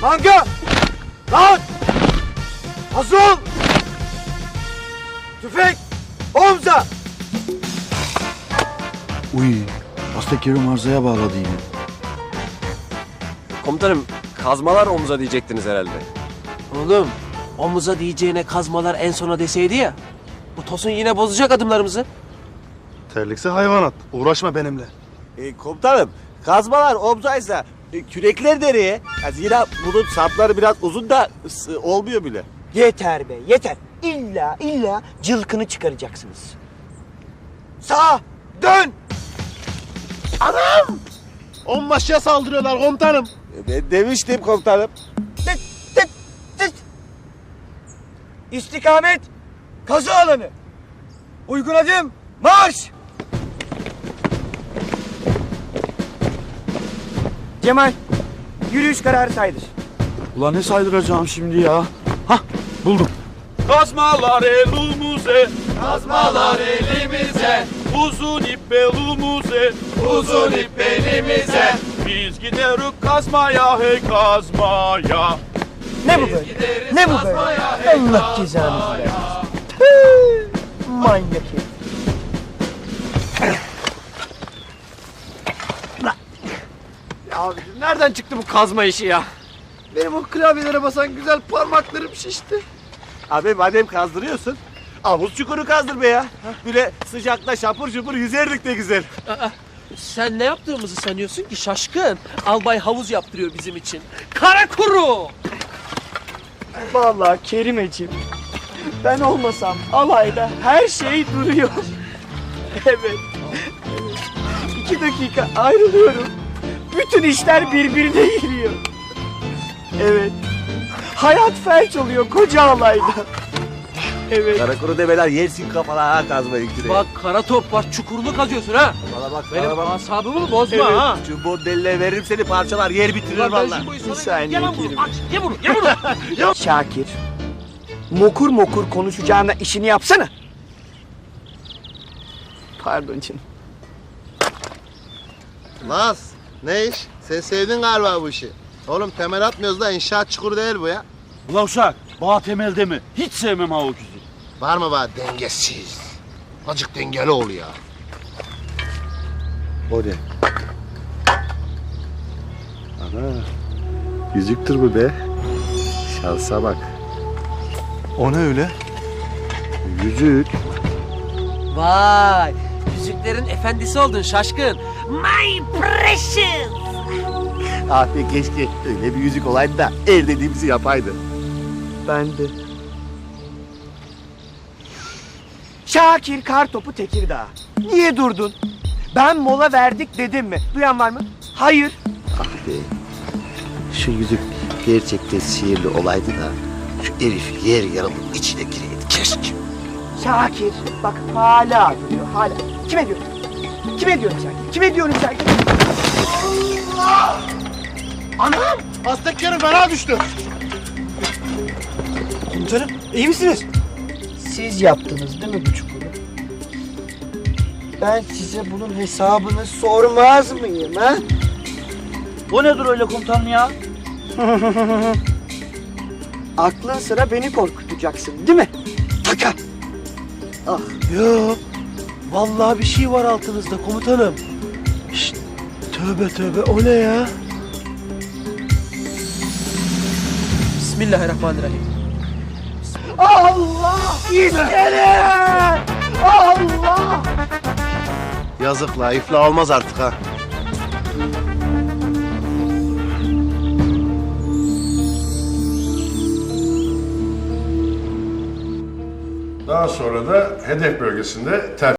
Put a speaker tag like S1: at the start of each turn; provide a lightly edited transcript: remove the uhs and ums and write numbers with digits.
S1: Manga! Lan! Hazır ol! Tüfek! Omza!
S2: Uy, Astekerim arzaya bağladı yine.
S3: Komutanım, kazmalar omuza diyecektiniz herhalde.
S4: Oğlum, omuza diyeceğine kazmalar en sona deseydi ya. Bu Tosun yine bozacak adımlarımızı.
S5: Terlikse hayvanat. Uğraşma benimle.
S1: Komutanım, kazmalar omzaysa kürekler nereye? Yani zira bunun sapları biraz uzun da olmuyor bile.
S6: Yeter be, yeter. İlla cılkını çıkaracaksınız.
S1: Sağ! Dön!
S5: Onbaşıya saldırıyorlar komutanım.
S1: Ben demiştim komutanım.
S6: Tıt tıt tıt. İstikamet kazı alanı. Uygun adım marş. Cemal, yürüyüş kararı saydır.
S2: Ulan ne saydıracağım şimdi ya? Hah, buldum.
S7: Kazmalar elimize, kazmalar elimize, uzun ip belimize, uzun ip belimize. Biz gideriz kazmaya, hey kazmaya.
S6: Ne bu böyle? Ne bu böyle? Allah cezanızı versin. Tüh, manyak herif.
S4: Abicim nereden çıktı bu kazma işi ya?
S6: Benim o klavyelere basan güzel parmaklarım şişti.
S1: Abi madem kazdırıyorsun, havuz çukuru kazdır be ya. Böyle sıcakta şapur şupur yüzerdik de güzel.
S4: Sen ne yaptığımızı sanıyorsun ki şaşkın? Albay havuz yaptırıyor bizim için. Kara kuru!
S6: Vallahi Kerimeciğim, ben olmasam alayda her şey duruyor. Evet. 2 dakika ayrılıyorum. Bütün işler birbirine giriyor. Evet. Hayat felç oluyor koca alayda. Evet.
S1: Karakuru demeler yersin kafana ha kazmayı küreği.
S4: Bak kara top var çukurunu kazıyorsun ha.
S1: Bana bak,
S4: Benim
S1: bana bak.
S4: asabımı bozma
S1: Evet.
S4: ha.
S1: Şu bordeline veririm seni parçalar, yer bitirir
S4: Ulan ben
S1: vallahi.
S4: şu boyu sonra-
S6: saniye
S4: Ye lan bunu,
S6: Kerim.
S4: aç, ye bunu, ye bunu.
S6: Şakir. Mokur mokur konuşacağına işini yapsana. Pardon canım.
S5: Naz, ne iş? Sen sevdin galiba bu işi. Oğlum temel atmıyoruz da inşaat çukuru değil bu ya.
S2: Ulan uşak, bağ temelde mi? Hiç sevmem ha o küzü.
S5: Var mı bana dengesiz? Azıcık dengeli ol ya. O ne? Ana, yüzüktür bu be. Şansa bak. O ne öyle? Yüzük.
S4: Vay, yüzüklerin efendisi oldun şaşkın. My precious.
S1: Abi keşke öyle bir yüzük olaydı da el dediğimizi yapaydı.
S6: Ben de. Şakir Kartopu Tekirdağ. Niye durdun? Ben mola verdik dedim mi? Duyan var mı? Hayır.
S1: Ah be. Şu yüzük gerçekten sihirli olaydı da şu herif yer yarılıp içine gireydi keşke.
S6: Şakir. Bak hala duruyor hala. Kime diyorum? Kime diyorum Şakir? Kime diyorum Şakir?
S5: Anam! Azteklerin fena düştü.
S6: Komutanım iyi misiniz? Siz yaptınız değil mi bu çukuru? Ben size bunun hesabını sormaz mıyım ha?
S2: O nedir öyle komutanım ya?
S6: Aklın sıra beni korkutacaksın değil mi? Taka!
S4: Yo, vallahi bir şey var altınızda komutanım. Şşt, tövbe tövbe o ne ya? Bismillahirrahmanirrahim.
S6: Allah! İskele! Allah!
S5: Yazık la, iflah olmaz artık ha.
S8: Daha sonra da hedef bölgesinde